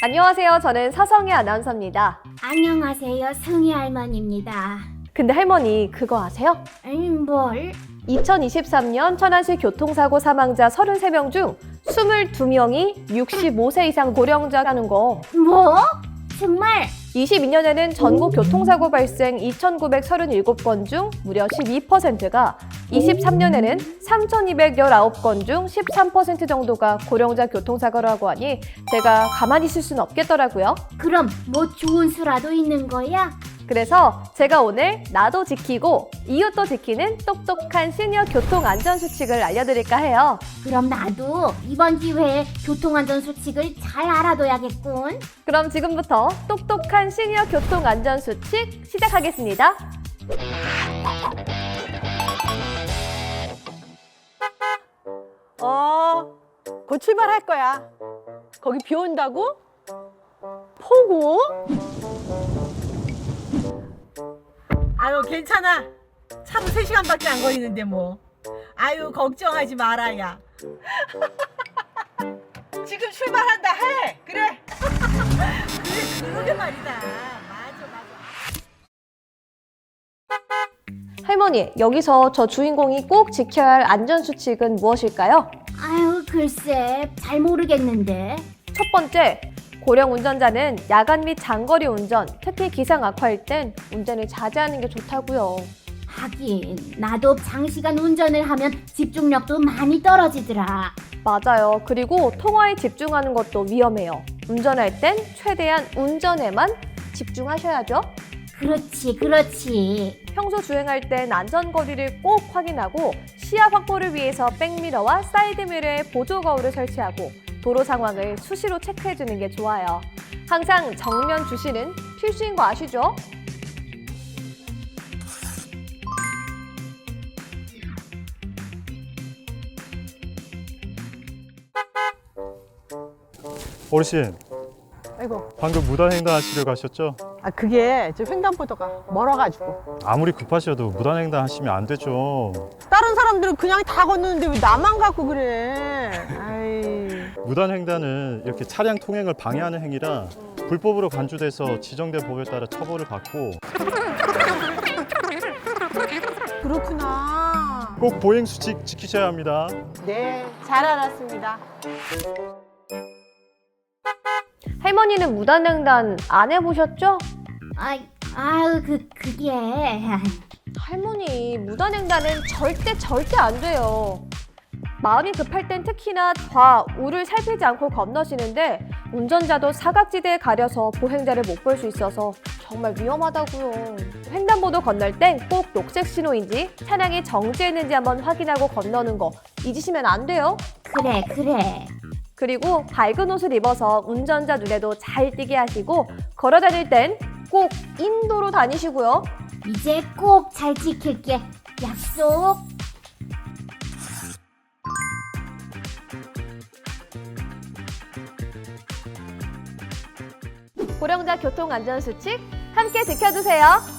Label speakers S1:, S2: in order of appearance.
S1: 안녕하세요. 저는 서성희 아나운서입니다.
S2: 안녕하세요. 승희 할머니입니다.
S1: 근데 할머니 그거 아세요?
S2: 뭘?
S1: 2023년 천안시 교통사고 사망자 33명 중 22명이 65세 이상 고령자라는 거.
S2: 뭐? 정말?
S1: 22년에는 전국 교통사고 발생 2,937건 중 무려 12%가, 23년에는 3,219건 중 13% 정도가 고령자 교통사고라고 하니 제가 가만히 있을 수는 없겠더라고요.
S2: 그럼 뭐 좋은 수라도 있는 거야?
S1: 그래서 제가 오늘 나도 지키고 이웃도 지키는 똑똑한 시니어 교통안전수칙을 알려드릴까 해요.
S2: 그럼 나도 이번 기회에 교통안전 수칙을 잘 알아둬야겠군.
S1: 그럼 지금부터 똑똑한 시니어 교통안전수칙 시작하겠습니다.
S3: 곧 출발할 거야. 거기 비 온다고? 폭우?
S4: 아유 괜찮아. 차로 3시간밖에 안 걸리는데 뭐. 아유 걱정하지 마라 야. 지금 출발한다 해. 그래. 그래 그러게 말이다. 맞아.
S1: 할머니, 여기서 저 주인공이 꼭 지켜야 할 안전수칙은 무엇일까요?
S2: 아유 글쎄 잘 모르겠는데.
S1: 첫 번째, 고령 운전자는 야간 및 장거리 운전, 특히 기상 악화일 땐 운전을 자제하는 게 좋다고요.
S2: 하긴 나도 장시간 운전을 하면 집중력도 많이 떨어지더라.
S1: 맞아요. 그리고 통화에 집중하는 것도 위험해요. 운전할 땐 최대한 운전에만 집중하셔야죠.
S2: 그렇지.
S1: 평소 주행할 땐 안전거리를 꼭 확인하고 시야 확보를 위해서 백미러와 사이드미러에 보조 거울을 설치하고 도로 상황을 수시로 체크해주는 게 좋아요. 항상 정면 주시는 필수인 거 아시죠?
S5: 어르신,
S3: 아이고,
S5: 방금 무단횡단 하시려고 하셨죠?
S3: 그게 저 횡단보도가 멀어가지고.
S5: 아무리 급하셔도 무단횡단 하시면 안 되죠.
S3: 다른 사람들은 그냥 다 건너는데 왜 나만 갖고 그래? 아이.
S5: 무단횡단은 이렇게 차량 통행을 방해하는 행위라 불법으로 간주돼서 지정된 법에 따라 처벌을 받고
S3: 그렇구나.
S5: 꼭 보행수칙 지키셔야 합니다.
S3: 네, 잘 알았습니다.
S1: 할머니는 무단횡단 안 해보셨죠?
S2: 그게.
S1: 할머니, 무단횡단은 절대 안 돼요. 마음이 급할 땐 특히나 좌우를 살피지 않고 건너시는데 운전자도 사각지대에 가려서 보행자를 못 볼 수 있어서 정말 위험하다고요. 횡단보도 건널 땐 꼭 녹색 신호인지 차량이 정지했는지 한번 확인하고 건너는 거 잊으시면 안 돼요.
S2: 그래.
S1: 그리고 밝은 옷을 입어서 운전자 눈에도 잘 띄게 하시고 걸어 다닐 땐 꼭 인도로 다니시고요.
S2: 이제 꼭 잘 지킬게. 약속.
S1: 고령자 교통안전수칙 함께 지켜주세요.